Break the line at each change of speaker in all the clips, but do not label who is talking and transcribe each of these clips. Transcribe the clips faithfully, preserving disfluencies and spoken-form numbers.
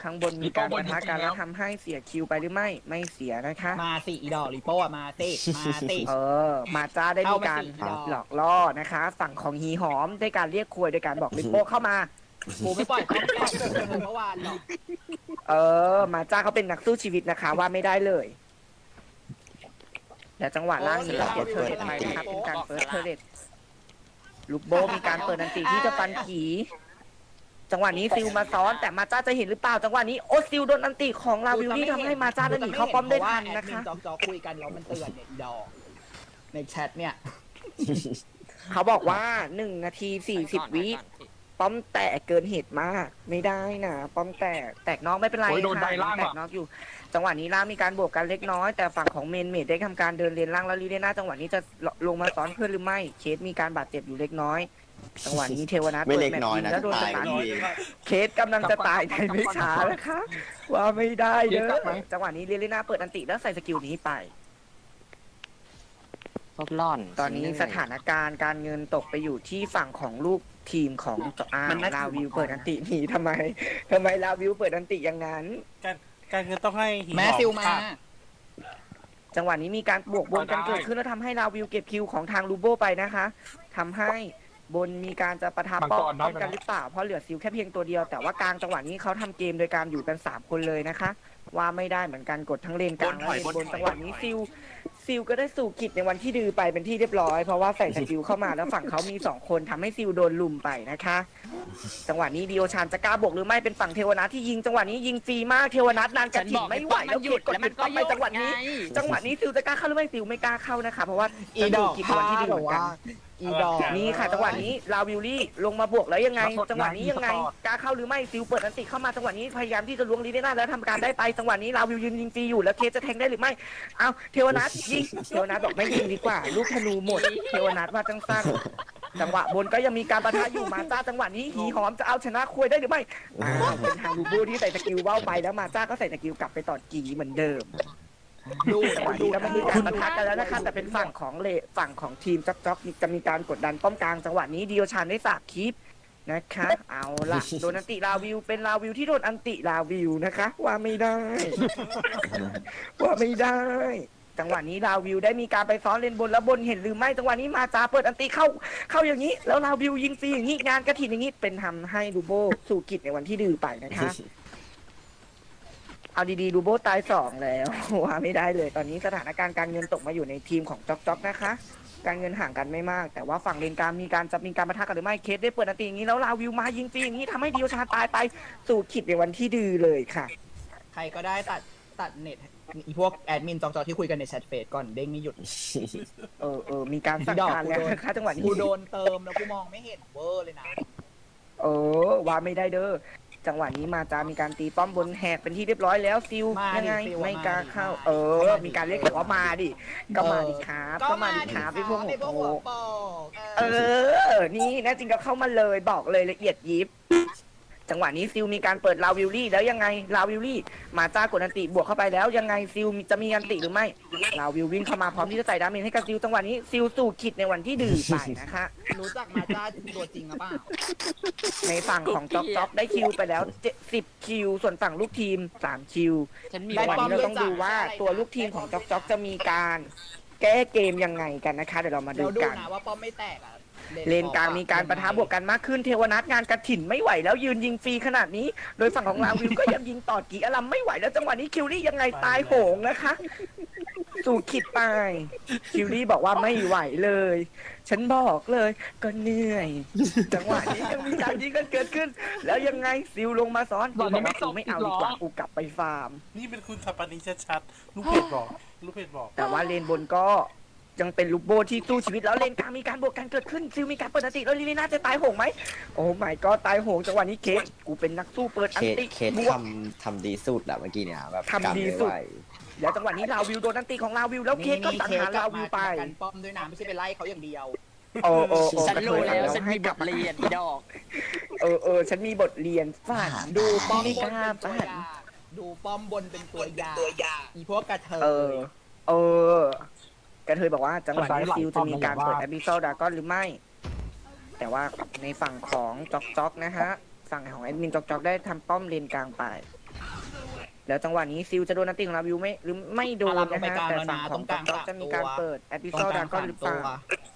ข้างบนมีการปะทะกันแล้วทำให้เสียคิวไปหรือไม่ไม่เสียนะคะ
มาสิอีดอกลิโป้อะมาสิมาสิ
เออมาจ้าได้มีการ
เข้ามาสิ
หลอกล่อนะคะฝั่งของฮีหอมได้การเรียกคุยโดยการบอกลิปโป้เข้ามา
กูไม่ปล่อยเขาไม่ปล่อยเมื่อวานหรอก
เออมาจ้าเขาเป็นนักสู้ชีวิตนะคะว่าไม่ได้เลยแต่จังหวะล่างนี้ก็เปิดเทอร์เรตไปนะครับเป็นการเปิดเทอร์เรตลูกโบมีการเปิดอันติที่จะฟันผีจังหวะนี้ซิลมาซ้อนแต่มาจ้าจะเห็นหรือเปล่าจังหวะนี้โอซิลโดนอันติของลาวิลที่ทำให้มาจ้าได้หนีเข้าป้อมได้ทันนะคะ
จอกจอคุยกันแล้วมันเตือนเนี่ยอีดอกในแชทเนี่ย
เขาบอกว่าหนึ่งนาทีสี่สิบวิป้อมแตกเกินเหตุมากไม่ได้นะป้อมแตกแตกนอกไม่เป็นไรค่ะแตกนอกอยู่จังหวะนี้ล่างมีการบวกกันเล็กน้อยแต่ฝั่งของเมนเมดได้ทำการเดินเลนล่างแล้วลีเดน่าจังหวะนี้จะลงมาซ้อนเพื่อนหรือไม่เคสมีการบาดเจ็บอยู่เล็กน้อยจังหวะนี้เทวนาถ
ไม่เล็ก
ปิดแมต
น้อย
ช์
นะ
แล้วโดนส
ตาย
ตา
กัน
ร์
เอง
เคสกำลังจะตายในไม่ช้านะคะว่าไม่ได้เด้อจังหวะนี้ลีเดน่าเปิดอันติแล้วใส่สกิลนี้ไป
พวกล่อน
ตอนนี้สถานการณ์การเงินตกไปอยู่ที่ฝั่งของลูกทีมของอ้าวลาวิวเปิดอันติหนีทำไมทำไมลาวิวเปิดอันติอย่างนั้น
การการเงินต้องให้หิน
แม่ซิลมา
จังหวะนี้มีการบวกบนกันเกิดขึ้นแล้วทำให้ลาวิวเก็บคิวของทางลูโบไปนะคะทำให้บนมีการจะประทับป้องป้องกันหรือเปล่าเพราะเหลือซิลแค่เพียงตัวเดียวแต่ว่ากลางจังหวะนี้เขาทำเกมโดยการอยู่กันสามคนเลยนะคะว่าไม่ได้เหมือนกันกดทั้งเลนกลางและเลนบนจังหวะนี้ซิลซิลก็ได้สู่กิจในวันที่ดือไปเป็นที่เรียบร้อยเพราะว่าใส่สกิลเข้ามาแล้วฝั่งเขามีสองคนทำให้ซิลโดนลุมไปนะคะจังหวะนี้ดิโอชานจะกล้าบวกหรือไม่เป็นฝั่งเทวนัทที่ยิงจังหวะนี้ยิงฟรีมากเทวนัทนานกระถิ่นไม่ไหวแล้วหยุดกดหยุดไปจังหวะนี้ จังหวะนี้ซิลจะกล้าเข้าหรือไม่ซิลไม่กล้าเข้านะคะเพราะว่า
อีดอก
กิจวันที่ดีเหมือนกัน
อีดอก
นี่ค่ะจังหวะนี้ลาวิลลี่ลงมาบวกแล้วยังไง จังหวะนี้ยังไงกล้าเข้าหรือไม่ซิลเปิดอันติเข้ามาจังหวะนี้พยายามที่จะล้วงลีเดน่าแล้วทำการได้ไปจังหวะนี้ลาวิลยืนยิงฟรีอยู่แล้วเคสจะแทงได้หรือไม่เอาเทวนัทยิงเทวนัทบอกไม่ยิงดีกว่าลูกธนูหมดเทวนัทว่าจังสั้นจังหวะบนก็ยังมีการปะทะอยู่มาจ้าจังหวะนี้หีหอมจะเอาชนะคุยได้หรือไม่อ้าวเป็นทางลูบูที่ใส่สกิลว่าวไปแล้วมาจ้าก็ใส่สกิลกลับไปต่อกีเหมือนเดิม
ดู
จังหวะนี้ก็ไม่มีการปะทะกันแล้วนะคะแต่เป็นฝั่งของเลฝั่งของทีมจ๊อกจ๊อกจะมีการกดดันป้อมกลางจังหวะนี้ดิโอชานได้สาบคลิปนะคะเอาล่ะโดนอันติลาวิวเป็นลาวิวที่โดนอันติลาวิวนะคะว่าไม่ได้ ว่าไม่ได้ จังหวะนี้ลาวิวได้มีการไปซ้อนเลนบนแล้วบนเห็นหรือไม่จังหวะนี้มาจาเปิดอันติเข้าเข้าอย่างนี้ แล้วลาวิวยิงฟรีอย่างนี้งานกระถิ่นอย่างนี้เป็นทำให้ลูโบสู่กิจในวันที่ดื้อไปนะคะเอาดีๆลูโบตายสองแล้วว่าไม่ได้เลยตอนนี้สถานการณ์การเงินตกมาอยู่ในทีมของจ๊อกจ๊อกนะคะการเงินห่างกันไม่มากแต่ว่าฝั่งเลนกลางมีการจะมีการปะทะกันหรือไม่เคสได้เปิดอันติอย่างนี้แล้วลาวิวมายิงฟรีอย่างนี้ทำให้ดิโอชาตายไปสู่กิจในวันที่ดื้อเลยค่ะ
ใครก็ได้ตัดตัดเน็ตอีพวกแอดมินจอกจอที่คุยกันในแชทเฟซก่อนเด้งไม่หยุด
เออเออมีการสั่งการแล้วนะคะจังหวะนี้
กูโดนเติมแล้วกูมองไม่เห็นเวอร์เลยนะ
เออว่าไม่ได้เด้อจังหวะนี้มาจามีการตีป้อมบนแหกเป็นที่เรียบร้อยแล้วซิลยังไงไม่กล้าเข้า เออ มีการเรียกว่ามาดิก็มาดิครับก็มาดิครับพี่พวกหัวโปกเออนี่แน่จริงก็เข้ามาเลยบอกเลยละเอียดยิบจังหวะนี้ซิลมีการเปิดลาวิลลี่แล้วยังไงลาวิลลี่มาจ้ากดอันติบวกเข้าไปแล้วยังไงซิลจะมีอันติหรือไม่ลาวิลวิ่งเข้ามาพร้อมที่จะใส่ดาเมจให้กับซิลจังหวะนี้ซิลสู่ขิดในวันที่ดื้อไปนะคะ
รู้จักมาจ้าตัวจริงหรือเปล่า
ในฝั่งของจ๊อกจ๊อกได้คิวไปแล้วสิบคิวส่วนฝั่งลูกทีมสามคิว
ฉันมี
วันนี้เราต้องดูว่าตัวลูกทีมของจ๊อกจ๊อกจะมีการแก้เกมยังไงกันนะคะเดี๋ยวเรามาดู
เดี๋ยวดู
กัน
นะว่าป้อมไม่แตกอ่ะ
เลนกลางมีการปะทะบวกกันมากขึ้นเทวนัทงานกระถิ่นไม่ไหวแล้วยืนยิงฟรีขนาดนี้ โดยฝั่งของลาวิวก็ยังยิงต่อกีอลัมไม่ไหวแล้วจังหวะนี้คิวรี่ยังไงตายโหงนะคะ สู่ขิดไปคิวรี่บอกว่าไม่ไหวเลย ฉันบอกเลยก็เหนื่อย จังหวะนี้ยังมีการยิงกันเกิดขึ้น แล้วยังไงซิลลงมาซ้อนซิลบอกว่ากูไม่เอาดีกว่ากูกลับไปฟาร์ม
นี่เป็นคุณขับปานีชัดๆลูกเพจบอกลูกเพจบอก
แต่ว่าเลนบนก็ยังเป็นลูกโบที่สู้ชีวิตแล้วเลนกลางมีการบวกกันเกิดขึ้นซิลมีการเปิดอันติแล้วลิลิน่าจะตายโหงไหมโอ้ไม่ก็ตายโหงจังหวะนี้เคสกูเป็นนักสู้เปิดอั
เคน ส
ติ
เคส
บวก
ทำทำดีสุดอะเมื่อกี้เนี่ยแบบ
ทำดีสุด
กันไม่ไหว
แล้วจังหวะนี้ลาวิวโดนอันติของลาวิวแล้วเคสก็สังหารลาวิวไป
กันป้อมด้วยนะไม่ใช่ไปไล่เขาอย่างเดียว
โอ้โอ้โอ้
ฉันรู้แล้ว
กระเทย
ฉันมีบทเรียนอีดอก
เออเออฉันมีบทเรียนฝัน
ดูป้อม
ไม่
บ
ก
น
ล้า
เป็นตัว
ฝัน
อย่างดูป้อมบนเป็นตัวอย่างอีพวกกระเท
เออย เออกระเทยบอกว่าจังหวะนี้ซิลจะมีการเปิดแอบิโซดากอนหรือไม่ แต่ว่าในฝั่งของจ็อกจ็อกนะฮะฝั่งของแอดมินจ็อกจ็อกได้ทำป้อมเลนกลางไปแล้วจังหวะนี้ซิลจะโดนอันติของลาวิวไม่หรือไม่โดน
อารามล
นะ
งไป
ฮะ
กลาง
แต่
แล้ว
ฝั่ง
นะ
ของ
ตรงก
ต๊
ลา
อง ก
สาม
จะมีการ
ตัว
เปิดแอดดิ
ตร
ซอง ล
ก
ดา
ลาง
ก็
สาม
หรือเป
ตั
ล่า
ว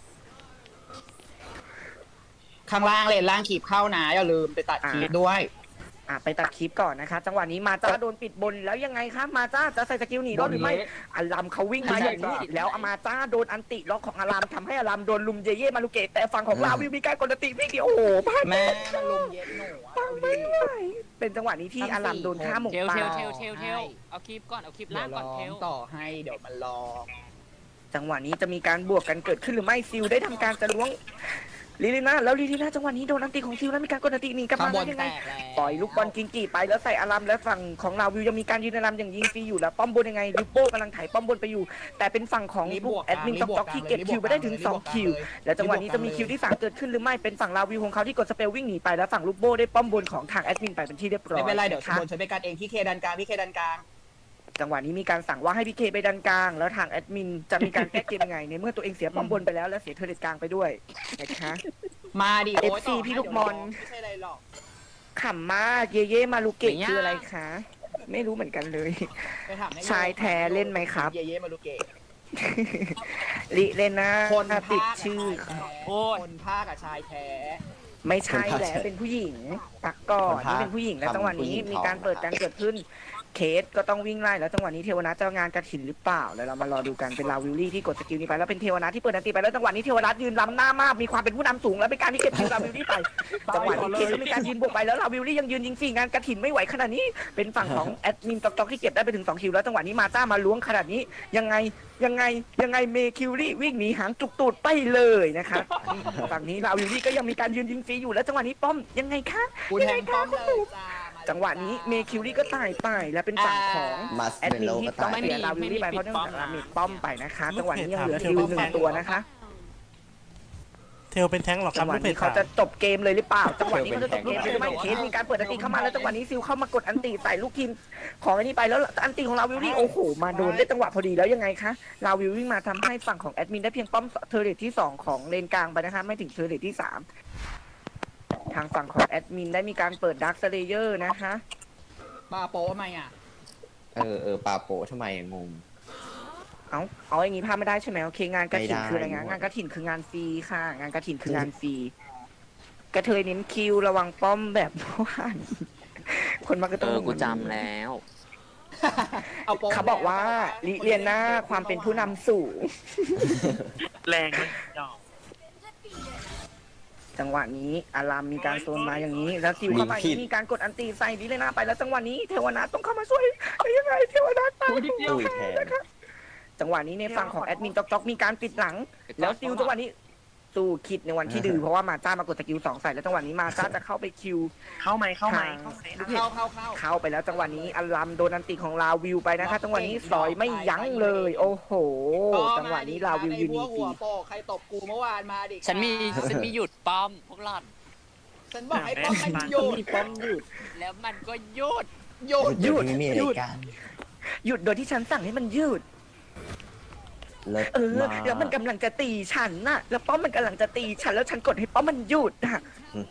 ข้างล่างเลนล่างขีบเข้านะอย่าลืมไปตัดขีบด้วย
อ่ะไปตัดคลิปก่อนนะคะจังหวะนี้มาจ้าโดนปิดบนแล้วยังไงคะมาจ้าจะใส่สกิลหนีรอดหรือไม่อารามเขาวิ่งมาอย่างนี้แล้วอามาจ้าโดนอันติล็อกของอารามทำให้อารามโดนลุมเยเย่มาลูเกตแต่ฝั่งของลาวิวมีการกดอันติวิ่งเดียวโอ้โหพลาด
แม่มันลุมเย็นหนูอะ
ปัง
ดู
ไม่
ดิ
ไหวเป็นจังหวะนี้ที่อารามโดนฆ่าหมก
เทล
ป่า
เทลเทลเทลเทลเอาคลิปก่อนเอาคลิป
เดี๋
ล่าย ง
ว
ก่อน
ร้อ
เท
ง
ล
ต่อให้เดี๋ยวมันรอ
จังหวะนี้จะมีการบวกกันเกิดขึ้นหรือไม่ซิลได้ทำการจะล้วงลิลิน่าแล้วลิลิน่าจังหวะนี้โดนอันติของซิลแล้วมีการกดอันติหนีกลับ
ข้าง
มา
บ
ได้
น
ยัง
แต
ไง
กแล้ว
ปล่อยลูกบอลกิงกีไปแล้วใส่อารามและฝั่งของลาวิวยังมีการยืนอารามอย่างยิงฟรีอยู่แล้วป้อมบนยังไงลิปโป้กำลังไถ่ป้อมบนไปอยู่ แต่เป็นฝั่งของ
รีบ
พว
บ
ก
วก
แอดมิน
รี
ต็
บอก
อก
กลาง
ที่เก็บ
รีบ
คิว
บ
ไป
วก
ได้ถึง
รีบ
ส
บ
อ
ว
ง
กกลาง
คิว
เลย
แล้วจังหวะนี้จะมีคิวที่สามเกิดขึ้นหรือไม่เป็นฝั่งลาวิวของเขาที่กดสเปลวิ่งหนีไปแล้วฝั่งลูกโบ้ได้ป้อมบนของทางแอดมินไปเป็นที่เรียบร้อย
ไม่เป็นไรเดี๋ยว
นะคะ
บนฉันไปกันเองพี่เคดันกลางพี่เคดันกลาง
จังหวะนี้มีการสั่งว่าให้พี่เคไปดันกลาง แล้วทางแอดมินจะมีการแก้เกมยังไงในเมื่อตัวเองเสียป้อมบนไปแล้วและเสียเทอร์เรตกลางไปด้วยนะคะ
มาดิโอ้ย
เอฟซี
ต่ให้
พี่ลูกบอล
ไม่ใช่อะไรหรอก
ขำมากเยเย่มาลูเกะคืออะไรคะ ไม่รู้เหมือนกันเลย
ไปถามให้
ชายแท้เล่นไหมครับ
เย่เย่มาลูเกะ
ลิเลน่า
คน
ติด
ภาค
ชื่อ
กับชายแท้
โอ้ย
คนภาคกับชายแท้
ไม่ใช่แหละเป็นผู้หญิงปักก่อน
คนพา
นี่เป็นผู้หญิงแล้ว
ทำ
จังหวะนี้
ผู้หญิง
มีการ
ท้อง
เปิดการเกิดขึ้น เคสก็ต้องวิ่งไล่แล้วจังหวะนี้เทวนาจะงานกระถินหรือเปล่าแล้วเรามารอดูกันเป็นลาวิลลี่ที่กดสกิลนี้ไปแล้วเป็นเทวนาที่เปิดอันตีไปแล้วจังหวะนี้เทวนายืนล้ำหน้ามากมีความเป็นผู้นำสูงแล้วเป็นการที่เก็บคิวลาวิลลี่ไปจังหวะนี้เคสก็มีการยืนบวกไปแล้วลาวิลลี่ยังยืนยิงฟรีงานกระถินไม่ไหวขนาดนี้เป็นฝั่งของแอดมินต็อกๆที่เก็บได้ไปถึงสองคิวแล้วจังหวะนี้มาจ้ามาล้วงขนาดนี้ยังไงยังไงยังไงเมคิวรี่วิ่งหนีหางจุกตูดไปเลยนะคะฝั่งนี้ลาวิลลี่ก็ยังมีการยืนยิงฟรีอยู่แล้วจังหวะนี้ป้อมยังไงคะ
กูแทงป้อมเลยจ้ามาเลย
จังหวะนี้เมคิวรี่ก็ตายไปและเป็นฝั่งของ
มาส
แอด
เม
มิน
โล
ที่
ก็
ต้อ
ตาง ย
เสียลาวิลลี่ไปเพราะเนื่องจากลามิดป้อมไปนะคะจังหวะนี้ยังเหลือซิลหนึ่งตัวนะคะ
เทลเป็นแท้งเหรอค
จั
รับ
งหวะ
ลูกเพ
นี้
จ
เขา
ถาม
จะจบเกมเลยหรือเปล่าจังหวะนี้เขาจะจบเกมเลยหรือไม่เคสมีการเปิดอันติเข้ามาแล้วจังหวะนี้ซิลเข้ามากดอันติใส่ลูกทีมของอันนี้ไปแล้วอันติของลาวิลลี่โอ้โหมาโดนได้จังหวะพอดีแล้วยังไงคะลาวิลลี่มาทำให้ฝั่งของแอดมินได้เพียงป้อมเทอร์เรทที่สองของเลนกลางไปนะคะไม่ถึงเทอร์เรทที่สามทางฝั่งของแอดมินได้มีการเปิดดาร์คสเลเยอร์นะคะ
ปาโป้ทำไมอ่ะ
เออเออปาโปะทำไมอะงง
เอาเอาอย่างนี้พลาดไม่ได้ใช่ไหมโอเคงานกระถิ่น
ไม่ได้
คืออะไรงานงานกระถิ่นคืองานฟรีค่ะ งานกระถิ่นคืองานฟรีกระเทยเน้นคิวระวังป้อมแบบว่านคนมาก็
เอ
ต้อง
อกูจำแล้ว
เอาโป้
เขาบอกว่าลิเลียนหน้าความเป็นผู้นำสูง
แรงไหมยอม
จังหวะนี้อารามมีการโซนมาอย่างนี้ แล้วซิวเข้ามาอย่างนี้มีการกดอันตีใส่ลิเลียนหน้าไปแล้วจังหวะนี้เทวนาต้องเข้ามาช่วยยังไงเทวนาตาย
ตุ้ยแทน
จังหวะนี้ในฝั่งของแอดมินจ๊อกจ๊อกมีการปิดหลัง แล้วซิลจังหวะนี้สู้คิดในวันที่ดื้อเพราะว่ามาจ้ามากดสกิลสองใส่แล้วจังหวะนี้มาจ้าจะเข้าไปคิว
เข้าไหมเข้าไหม
ทาง
เข้าเข้าเข้า
เข้าไปแล้วจังหวะนี้อัลลัมโดนอันติของลาวิวไปนะคะจังหวะนี้สอยไม่ยั้งเลย โอ้โห จังหวะนี้ลาวิวยืน
ไอ้
ดี
พวก
ฟรี
หัวโปกใครตบกูเมื่อวานมาดิ
ฉันมีฉันมีหยุดป้อมพวกหล่อน
ฉันบอกให้ป้อมมันหยุด
มีป้อมหยุด
แล้วมันก็หยุด
หยุด
หยุด
เดี๋วนี้มีอะไรกัน
หยุดโดยที่ฉันสั่งให้มันยืด
เลิศ
เออ
มาก
แล้วมันกำลังจะตีฉันน่ะ แล้วป้อมมันกำลังจะตีฉันแล้วฉันกดให้ป้อมมันหยุดอ่ะ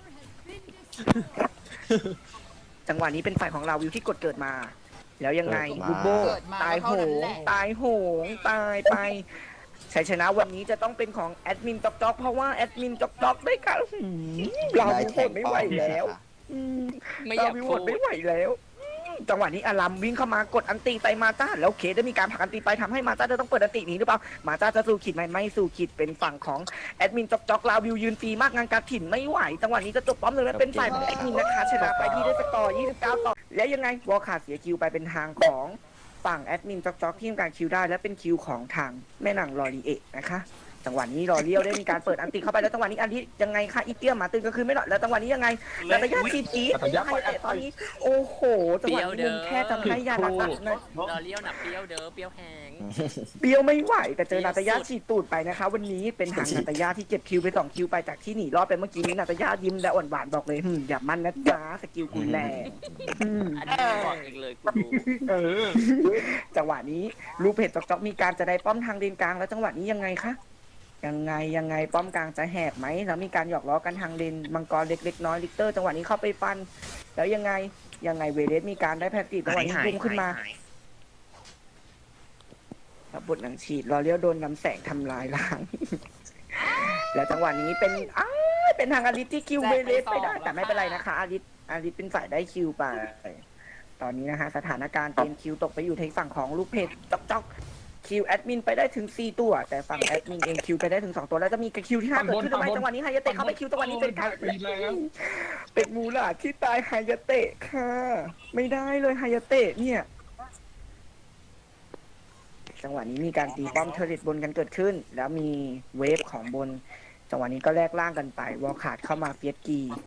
จังหวะนี้เป็นฝ่ายของลาวิวที่กดเกิดมา แล้วยังไงลูโบตายโหงตายโหงตายไปชัยชนะวันนี้จะต้องเป็นของแอดมินจ๊อกจ๊อกเพราะว่าแอดมินจ๊อกจ๊อกได้การหืมลา
ได้
วิว
แท
โห
ง
ดไม่
ป้
ไหว
อม
แล้ว
ค่ะ
อืม
ไม่อยาก
ลวิว
พู
โห
ด
ดไม่ไหวแล้วอืมจังหวะนี้อารามวิ่งเข้ามากดอันตีใส่มาจ้าแล้วเคได้มีการผลักอันตีไปทำให้มาจ้าจะต้องเปิดอันตีหนี้หรือเปล่ามาจ้าจะสู้ขีดไหมไม่สู้ขีดเป็นฝั่งของแอดมินจ๊อกจ๊อกลาวิวยืนฟรีมากงานการถิ่นไม่ไหวจังหวะนี้จะจบป้อมเลยนะเป็นฝ่ายของแอดมินนะคะชนะไปที่ได้สกอร์ยี่สิบเก้าต่อแล้วยังไงวอลขาดเสียคิวไปเป็นทางของฝั่งแอดมินจ๊อกจ๊อกที่ทำการคิวได้และเป็นคิวของทางแม่นางลอรีเอะนะคะจังหวะนี้รอเลี้ยวได้มีการเปิดอันติเข้าไปแล้วจังหวะนี้อันที่ยังไงคะอีเกียมาตึงก็คือไม่หรอกแล้วจังหวะนี้ยังไงแล้วระยะจีจีให้แต่ตอนนี้โอ้โหจังหวะนี้มุมแค่ทำให้ยานาตะนะ
รอเลี้ยวหนักเปรี้ยวเด้อเปรี้ยวแหง
เบี้ยวไม่ไหวแต่เจอนาตายาฉีดตูดไปนะคะ วันนี้เป็นทางนาตายาที่เก็บคิวไปสองคิวไปจากที่หนีรอดไปเมื่อกี้นี้นาตายายิ้มและอ่อนหวานบอกเลยหึมอย่ามันนะจ๊ะสกิลคุณแรงอืม
อันนี้บอกเองเลยกูรู้
เออ
จังหวะนี้ลูกเพจจอกจอกมีการจะได้ป้อมทางเลนกลางแล้วจังหวะนี้ยังไงคะยังไงยังไงป้อมกลางจะแหกไหมแล้วมีการหยอกล้อกันทางเลนมังกรเล็กๆน้อยลิกเตอร์จังหวะนี้เข้าไปฟัน แล้วยังไงยังไงเวเลสมีการได้แพตติจังหวะนี้พุ่งขึ้นมาแล้วบทหนังฉีดรอเลี้ยวโดนน้ำแสงทำลายล้าง แล้วจังหวะนี้เป็นอ้ายเป็นทางอาริสที่คิวเวเลสไปได้แต่ไม่เป็นไรนะคะอาริสอาริสเป็นฝ่ายได้คิวไปตอนนี้นะฮะสถานการณ์เกมคิวตกไปอยู่ทางฝั่งของลูกเพจจ๊อกจ๊อกคิวแอดมินไปได้ถึงสี่ตัวแต่ฝั่งแอดมินเองคิวไปได้ถึงสองตัวแล้วจะมีคิวที่ห้าเกิดขึ้นทำไมจังหวะนี้ไฮยาเตะเข้าไปคิวจังหวะนี้เป็นการเป็นมูลาที่ตายไฮยาเตะค่ะไม่ได้เลยไฮยาเตะเนี่ยจังหวะนี้มีการตีป้อมเทอร์เรตบนกันเกิดขึ้น แล้วมีเวฟของบนจังหวะนี้ก็แลกล่างกันไปวอลขาดเข้ามาเฟียสกี